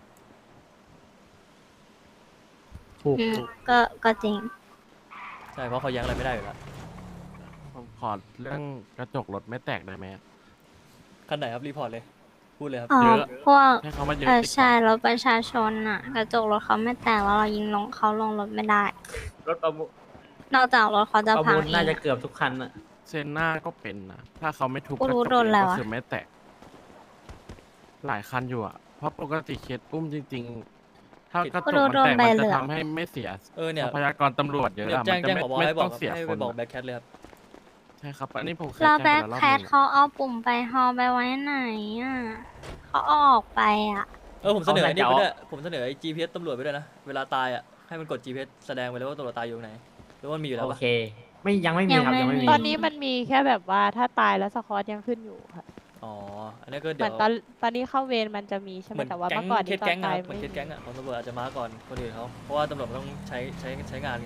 Speaker 7: ถูก
Speaker 4: อืม
Speaker 7: ถูก
Speaker 4: ก็ก็จริง
Speaker 1: ใช่เพราะเขาแย้งอะไรไม่ได้อยู่แล้ว
Speaker 11: ผมขอเรื่องกระจกรถไม่แตกได้ไหม
Speaker 1: คันไหนครับรีพอร์ตเลยพูดเลยครับ
Speaker 4: อ๋อ
Speaker 11: เยอะ
Speaker 4: พวก
Speaker 11: ให้เขามาเยอะ
Speaker 4: เออ
Speaker 11: ดีกว่า
Speaker 4: ใช่รถประชาชนอ่ะ กระจกรถเขาไม่แตกแล้วเรายิงลงเขาลงรถไม่ได้
Speaker 8: รถประมูล
Speaker 4: นอกจากรถเขาจะ
Speaker 8: ประ
Speaker 4: พัง
Speaker 8: มูล
Speaker 4: เอ
Speaker 8: น่าง จะ
Speaker 4: อะ
Speaker 8: เกือบทุกคันอะ
Speaker 11: เซนหน้าก็เป็นนะ ถ้าเขาไม่ทุบ
Speaker 4: กู
Speaker 11: กระ
Speaker 4: รู้
Speaker 11: จก
Speaker 4: โดน
Speaker 11: เอง
Speaker 4: แล้ว
Speaker 11: ก็
Speaker 4: อะ
Speaker 11: คือไม่แตก หลายคันอยู่อ่ะ เพราะปกติเคสอุ้มจริงถ้า
Speaker 1: ผิด
Speaker 11: กระจ
Speaker 4: ก็
Speaker 11: ก
Speaker 4: โดน
Speaker 11: มันแตก
Speaker 4: ใบ
Speaker 11: มัน
Speaker 4: เหลื
Speaker 11: จะ
Speaker 4: อง
Speaker 11: ทำให้ไม่เสีย
Speaker 1: เออเนี่ย
Speaker 11: ทรัพยากรตำรวจเยอะ
Speaker 1: เดี๋ยว
Speaker 11: อะ
Speaker 1: แจ้ง
Speaker 11: มัน
Speaker 1: แจ้
Speaker 11: จะ
Speaker 1: ง
Speaker 11: ไม่
Speaker 1: ผบ
Speaker 11: ไม่
Speaker 1: ให้บ
Speaker 11: ต้
Speaker 1: อ
Speaker 11: อก งเสีย
Speaker 1: ให้
Speaker 11: ค
Speaker 1: ไป
Speaker 11: น
Speaker 1: บอก
Speaker 11: อะ
Speaker 1: แบ็คแคทเลยครับ
Speaker 11: ใช่ครับ อันนี้ผมเคย
Speaker 4: แล้ว
Speaker 11: แจ้ง
Speaker 4: แบ็
Speaker 11: ไป
Speaker 4: ค
Speaker 11: แล้วรอบ
Speaker 4: แค
Speaker 11: ห
Speaker 4: ท
Speaker 11: นึง
Speaker 4: เขาเอาปุ่มไปฮอลไปไว้ไหนอ่ะเขาเอาออกไปอ่ะ
Speaker 1: เออผมเสนอไอ้นี่
Speaker 8: เอา
Speaker 1: ไป
Speaker 8: แต่
Speaker 1: ด้วยผมเสนอไอ้ จี พี เอส ตำรวจไปด้วยนะเวลาตายอ่ะให้มันกด จี พี เอส แสดงไปเลยว่าตำรวจตายอยู่ตรงไหนหรือว่ามันมีอยู่แล้ว
Speaker 8: โอ
Speaker 1: ปะ
Speaker 8: เค ไม่ยังไม่มีครับ
Speaker 4: ยัง
Speaker 8: ยัง
Speaker 4: ไม่
Speaker 8: ไม่
Speaker 4: มี
Speaker 8: มี
Speaker 6: ตอนนี้มันมีแค่แบบว่าถ้าตายแล้วสคอตยังขึ้นอยู่ค่ะ
Speaker 1: อ๋ออันนี้ก็
Speaker 6: เห
Speaker 1: เดี๋
Speaker 6: มื
Speaker 1: ย
Speaker 6: อน
Speaker 1: ว
Speaker 6: ตอนตอนนี้เข้าเวรมันจะมีใช่ไห
Speaker 1: เห
Speaker 6: ม
Speaker 1: มือน
Speaker 6: แต่ว่า
Speaker 1: แก๊
Speaker 6: เมื่
Speaker 1: ง
Speaker 6: อก่อน
Speaker 1: เค
Speaker 6: นี้
Speaker 1: ส
Speaker 6: ตอ
Speaker 1: แก๊ง
Speaker 6: น
Speaker 1: อะ
Speaker 6: ตาย
Speaker 1: ครับเหมือนเค
Speaker 6: ไม่
Speaker 1: ส
Speaker 6: มี
Speaker 1: แก๊งอะของตำรวจอาจจะมาก่อนคนอื่นเขาเพราะว่าตำรวจมันต้องใช้ใช้ใช้งานไง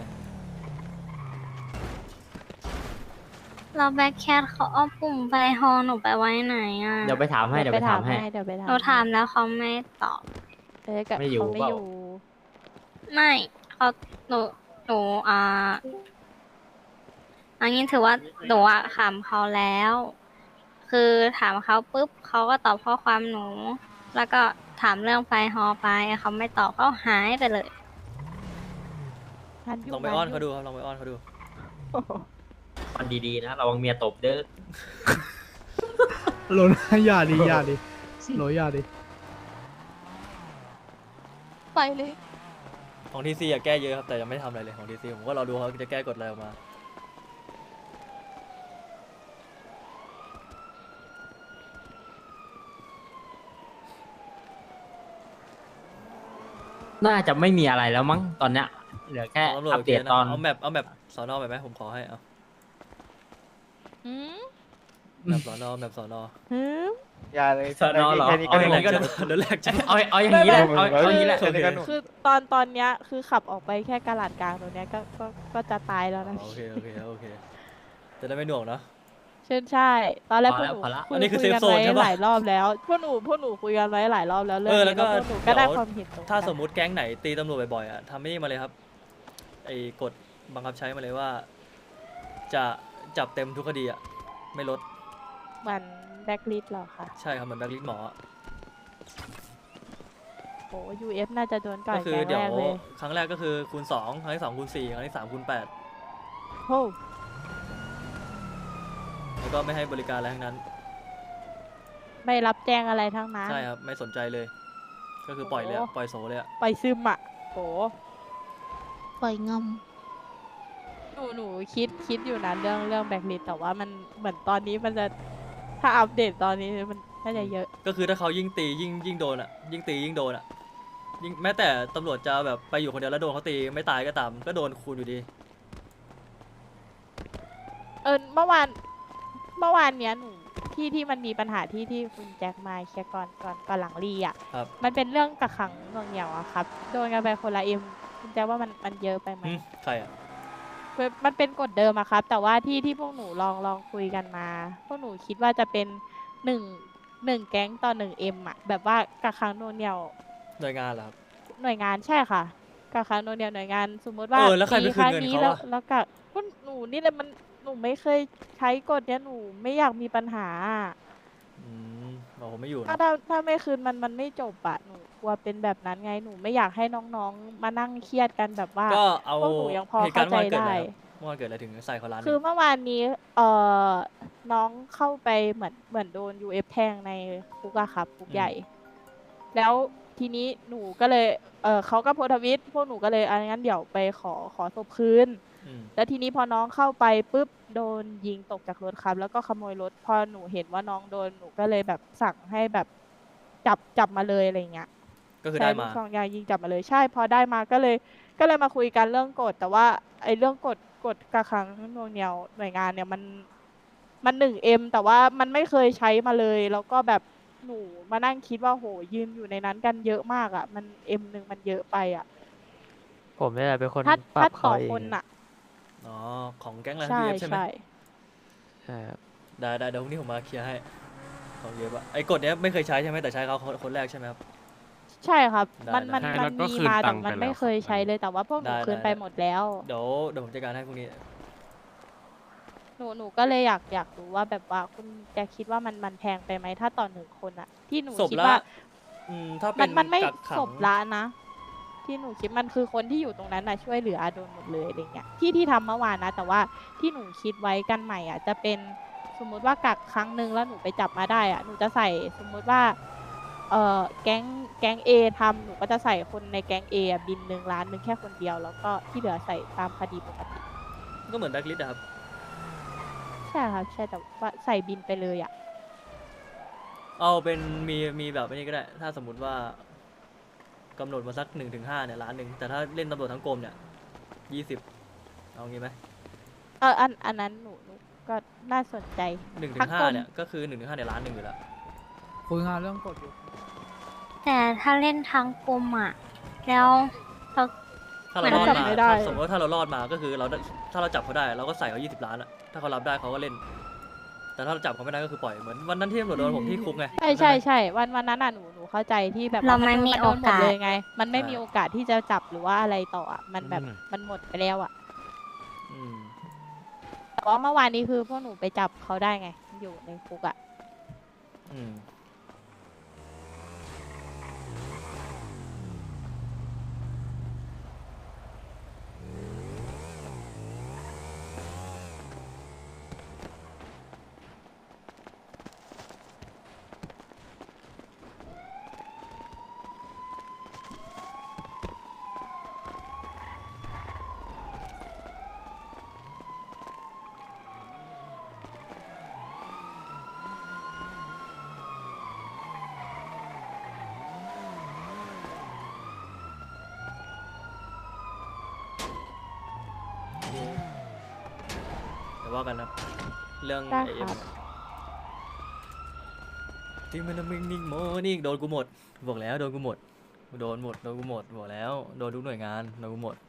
Speaker 4: แล้วแบ็คแคทเขาเอาปุ่มไปฮอลหนูไปไว้ไหนอ่ะ
Speaker 8: เดี๋ยวไปถามให้ เดี๋ยวไปถามให้
Speaker 6: เดี๋ยวไปถาม
Speaker 4: หนูถามแล้วเขาไม่ตอบ
Speaker 6: เออกับ
Speaker 8: ไม่อยู่
Speaker 6: เขาไม่
Speaker 8: เปล่า
Speaker 6: อยู่
Speaker 4: ไม่เขาหนูหนูอ่าอันนี้ถือว่าหนูอะถามเขาแล้ว คือถามเขาปุ๊บเขาก็ตอบข้อความหนู แล้วก็ถามเรื่องไฟฮอลไปเขาไม่ตอบเขาหายไปเลย
Speaker 6: ทันยู่
Speaker 1: ลองไปอ้อน
Speaker 6: ทั
Speaker 1: เขา
Speaker 6: ยู่
Speaker 1: ดูครับลองไปอ้อนเขาดู
Speaker 8: มันดีๆนะระวังเมียตบเด้อ
Speaker 7: โหลนะอย่าดิอย่าดิโหลอย่าดิ
Speaker 6: ไปเลย
Speaker 1: ของทีซีอะแก้เยอะครับแต่ยังไม่ทำอะไรเลยของทีซีผมก็รอดูเขาจะแก้กฎอะไรออกมา
Speaker 8: น่าจะไม่มีอะไรแล้วมั้งตอนเนี้ย เหลือแค่
Speaker 1: ของตำรวจ
Speaker 8: อัป
Speaker 1: โอ
Speaker 8: เด
Speaker 1: เค
Speaker 8: ต
Speaker 1: นะ
Speaker 8: ตอน
Speaker 1: เอาแมปเอาแมปสอนอแบบไหมผมขอให้เอา
Speaker 6: หืม
Speaker 1: แมปสอนอแมปสอนอ
Speaker 6: หืม
Speaker 10: อย่าเลย
Speaker 8: สอนอเหรอ
Speaker 10: แค่นี้
Speaker 8: เอา
Speaker 10: ก็
Speaker 8: อย่าง
Speaker 10: แร
Speaker 8: นี้
Speaker 10: ง
Speaker 8: ก็
Speaker 10: จั
Speaker 8: ได้
Speaker 10: ด
Speaker 1: เดี๋ยวแรกจะ
Speaker 8: เอาเอาอย่างนี้แหละเอาเอาอย่างนี้แหละ
Speaker 10: แค่นี้ก็หนุก
Speaker 6: คือตอนตอนเนี้ยคือขับออกไปแค่กะหลาดกลางตรงเนี้ยก็ก็ก็จะตายแล้วนะ
Speaker 1: โอเคโอเคโอเคจะได้ไม่หน่วงเนาะ
Speaker 6: เช่นใช่ ตอนแรกพวกหนู
Speaker 8: พอละ
Speaker 6: คุ
Speaker 1: อั
Speaker 6: ย
Speaker 1: นนี้คือ
Speaker 6: คุยกัน
Speaker 1: เซฟโซน
Speaker 6: ไว้
Speaker 1: ใช่ปะ
Speaker 6: หลายรอบแล้วพวกหนูพวกหนูคุยกันไว้หลายรอบแล้วเรื่อ
Speaker 1: เอง อแล้
Speaker 6: นี้
Speaker 1: วก็
Speaker 6: แล้วพวกหนูก็ได้
Speaker 1: เดี๋ยว
Speaker 6: ความเห็นตรงกัน
Speaker 1: ถ้าสมมุติแก๊งไหนตีตำรวจบ่อยๆอ่ะทำไม่นี่มาเลยครับไอ้กฎบังคับใช้มาเลยว่า จะจับเต็มทุกคดีอ่ะไม่ลด
Speaker 6: เหมือนแบ็คลิสหรอคะ
Speaker 1: ใช่ครับเหมือนแบล็คลิสต์หมออะ
Speaker 6: โอ้ยูเอฟน่าจะโดนก่อ
Speaker 1: ก็
Speaker 6: น
Speaker 1: คือ
Speaker 6: แก๊ง
Speaker 1: เดี๋
Speaker 6: แร
Speaker 1: ยว
Speaker 6: กเลย
Speaker 1: ครั้งแรกก็คือคูณสองครั้งที่สองคูณสี่ครั้งที่สามคูณแปด
Speaker 6: โอ้
Speaker 1: แล้วก็ไม่ให้บริการอะไรทั้งนั้น
Speaker 6: ไม่รับแจ้งอะไรทั้งนั้น
Speaker 1: ใช่ครับไม่สนใจเลย ก็คือปล่อยเลยอะ
Speaker 6: โอ้
Speaker 1: ปล่อยโซเลยอะ
Speaker 6: ไปซึมอ่ะโอ้
Speaker 3: ปล่อยงอม
Speaker 6: หนูหนูคิดคิดอยู่นะเรื่องเรื่องแบ็คลิสแต่ว่ามันเหมือนตอนนี้มันจะถ้าอัปเดตตอนนี้มันน่าจะเยอะ
Speaker 1: ก็คือถ้าเขายิ่งตียิ่งยิ่งโดนอ่ะยิ่งตียิ่งโดนอ่ะยิ่งแม้แต่ตำรวจจะแบบไปอยู่คนเดียวแล้วโดนเขาตีไม่ตายก็ตามก็โดนคูณอยู่ดี
Speaker 6: เออเมื่อวานเมื่อวานเนี้ยหนูที่ที่มันมีปัญหาที่ที่คุณแจ็คมาเคลียร์ก่อนก่อนก่อนหลังรีอ่ะ
Speaker 1: ครับ
Speaker 6: มันเป็นเรื่องกักขังหน่วงเหนี่ยวอะครับ โดนกันไปคนละเอ็มคุณแจ็คว่ามันมันเยอะไปไหม
Speaker 1: หึใครอ่ะ
Speaker 6: คือมันเป็นกฎเดิมอะครับ แต่ว่าที่ที่พวกหนูลองลองคุยกันมา พวกหนูคิดว่าจะเป็นหนึ่งหนึ่งแก๊งต่อหนึ่งเอ็มอะแบบว่ากักขังหน่วงเหนี่ยว
Speaker 1: หน่วยงานเหรอครับ
Speaker 6: หน่วยงานใช่ค่ะกักขังหน่วงเหนี่ยวหน่วยงาน สมมติว่า
Speaker 1: เออแล้วใครไปคืนเงิน
Speaker 6: มี
Speaker 1: เขา
Speaker 6: แล้ว
Speaker 1: อะ
Speaker 6: แล้วกักพวกหนูนี่แหละมันหนูไม่เคยใช้กฎเนี้ยหนูไม่อยากมีปัญหาอะ
Speaker 1: อืมเราผมไม่อยู่
Speaker 6: ถ้า
Speaker 1: นะ
Speaker 6: ถ้าถ้าไม่คืนมันมันไม่จบอะหนูกลัวเป็นแบบนั้นไงหนูไม่อยากให้น้องๆมานั่งเครียดกันแบบว่า
Speaker 1: ก็เอา
Speaker 6: พวกหนูยังพอ
Speaker 1: เหตุการณ์
Speaker 6: เข้า
Speaker 1: เมื่อวานเกิด
Speaker 6: ใจได้
Speaker 1: อะไรครับเมื่อวานเกิดอะไรถึงใส่เขาร้าน
Speaker 6: คือ
Speaker 1: หนึ่ง
Speaker 6: เมื่อวานนี้เอ่อน้องเข้าไปเหมือนเหมือนโดน ยู เอฟ แทงในคุกอะครับคุกใหญ่ แล้วทีนี้หนูก็เลยเออเขาก็โพสต์ทวิตพวกหนูก็เลยอันงั้นเดี๋ยวไปขอขอศพคืน
Speaker 1: อืม
Speaker 6: แล้วทีนี้พอน้องเข้าไปปุ๊บโดนยิงตกจากรถครับ แล้วก็ขโมยรถพอหนูเห็นว่าน้องโดนหนูก็เลยแบบสั่งให้แบบจับจับมาเลยอะไรเงี้ย
Speaker 1: ก็คือ
Speaker 6: ใช้
Speaker 1: ได้
Speaker 6: ลู
Speaker 1: มา
Speaker 6: กซองยางยิงจับมาเลยใช่พอได้มาก็เลย ก็เลยมาคุยกันเรื่องกฎแต่ว่าไอ้เรื่องกฎกฎกักขังหน่วงเหนี่ยวหน่วยงานเนี่ยมันมันหนึ่งเอ็มแต่ว่ามันไม่เคยใช้มาเลย แล้วก็แบบหนูมานั่งคิดว่าโหยืนอยู่ในนั้นกันเยอะมากอ่ะ มันเอ็มหนึ่งมันเยอะไปอ่ะ
Speaker 10: ผมนี่แหละเป็นคน
Speaker 6: ถ้า
Speaker 10: ปรั
Speaker 6: ถ้า
Speaker 10: บ
Speaker 6: ต่
Speaker 10: เขา
Speaker 6: อ
Speaker 10: เอง
Speaker 6: คนอ่ะ
Speaker 1: อ๋อของแก๊งอะไร
Speaker 6: ใช่
Speaker 1: พีเอฟใช่ไหม
Speaker 6: ใช่
Speaker 10: ใช่ครับ
Speaker 1: ได้ได้เดี๋ยวพรุ่งนี้ผมมาเคลียร์ให้ของเยอะปะไอ้กฎเนี้ยไม่เคยใช้ใช่ไหมแต่ใช้เขาคนแรกใช่ไหมครับ
Speaker 6: ใช่ครับ
Speaker 1: ได้
Speaker 6: มันมัน
Speaker 11: ได้
Speaker 6: มัน
Speaker 11: แล้วก็
Speaker 6: มี
Speaker 11: คืน
Speaker 6: มา
Speaker 11: ตั
Speaker 6: แต่
Speaker 11: งค์
Speaker 6: มัน
Speaker 11: ไป
Speaker 6: ไม่
Speaker 11: แล้ว
Speaker 6: เคยใช้เลยแต่ว่าพวกหนู
Speaker 1: ได้
Speaker 6: คืน
Speaker 1: ได้
Speaker 6: ไปหมดแล้ว
Speaker 1: เดี๋ยวเดี๋ยวผมจัดการให้พรุ่งนี้
Speaker 6: หนูหนูก็เลยอยากอยากรู้ว่าแบบว่าคุณจะคิดว่ามันมันแพงไปไหมถ้าต่อหนึ่งคนอะที่หนู
Speaker 1: ศพ
Speaker 6: คิด
Speaker 1: ละ
Speaker 6: ว่า
Speaker 1: อืมถ้าเป็
Speaker 6: มัน นมันไม่
Speaker 1: กักขัง
Speaker 6: ศพละนะ ที่หนูคิดมันคือคนที่อยู่ตรงนั้นนะช่วยเหลือโดนหมดเลยอะไรเงี้ยที่ที่ทำเมื่อวานนะ แต่ว่าที่หนูคิดไว้กันใหม่อ่ะจะเป็นสมมุติว่ากักครั้งหนึ่งแล้วหนูไปจับมาได้อ่ะหนูจะใส่สมมุติว่าเอ่อแก๊งแก๊งเอทำหนูก็จะใส่คนในแก๊งเอะบินหนึ่งล้านหนึ่งแค่คนเดียว แล้วก็ที่เหลือใส่ตามคดีปกติ
Speaker 1: ก็เหมือนแบล็คลิสต์อะครับ
Speaker 6: ใช่ครับใช่แต่ว่าใส่บินไปเลยอ่ะ
Speaker 1: เอาเป็นมีมีแบบนี้ก็ได้ ถ้าสมมุติว่ากำหนดมาสักหนึ่งถึงห้าเนี่ยล้านหนึ่งแต่ถ้าเล่นตำรวจทั้งกรมเนี่ยยี่สิบเอางี้ไหม
Speaker 6: เอออันอันนั้นหนูหนูก็น่าสนใจ
Speaker 1: หนึ่งถึ
Speaker 6: ทั้
Speaker 1: ง
Speaker 6: ง
Speaker 1: ห้าก
Speaker 6: รม
Speaker 1: เนี่ยก็คือหนึ่งถึงห้าเนี่ยล้านหนึ่งอยู่แล้ว
Speaker 7: คุยงานเรื่องกฎอยู่
Speaker 4: แต่ถ้าเล่นทั้งกลมอ่ะ แล้วเรา
Speaker 1: ถ้าเรารอด
Speaker 6: มันจับ
Speaker 1: มา
Speaker 6: ไม่ได้
Speaker 1: ถ้าสมมติว่าถ้าเรารอดมาก็คือเราได้ถ้าเราจับเขาได้เราก็ใส่เขายี่สิบล้านอะถ้าเขารับได้เขาก็เล่น แต่ถ้าเราจับเขาไม่ได้ก็คือปล่อยเหมือนวันนั้นที่ตำรวจโดนผมที่คุกไง
Speaker 6: ใช่ใช่ใช่วันวันนั้นอ่ะหนูหนูเข้าใจที่แบบ
Speaker 4: เรา
Speaker 6: ว่
Speaker 4: ไม่
Speaker 6: น
Speaker 4: มี
Speaker 6: น
Speaker 4: โอกาส
Speaker 6: นหมดเลยไง มันไม่
Speaker 1: อ่ามี
Speaker 6: มีโอกาสที่จะจับหรือว่าอะไรต่ออ่ะมันแบบ
Speaker 11: อืม
Speaker 6: มันหมดไปแล้วอ่ะ
Speaker 1: อืม
Speaker 6: แต่ว่าเมื่อวานนี้คือพวกหนูไปจับเขาได้ไง อยู่ในคุกอ่ะ
Speaker 1: อืม เดี๋ยวว่ากันนะเรื่อง
Speaker 6: ได้
Speaker 1: ไอ
Speaker 6: ครั
Speaker 1: เอ็ม
Speaker 6: บ
Speaker 1: ที่มันมิงนิ่งโมนี่โดนกูหมดบอกแล้วโดนกูหมดโดนหมดโดนกูหมดบอกแล้วโดนทุกหน่วยงานโดนกูหมด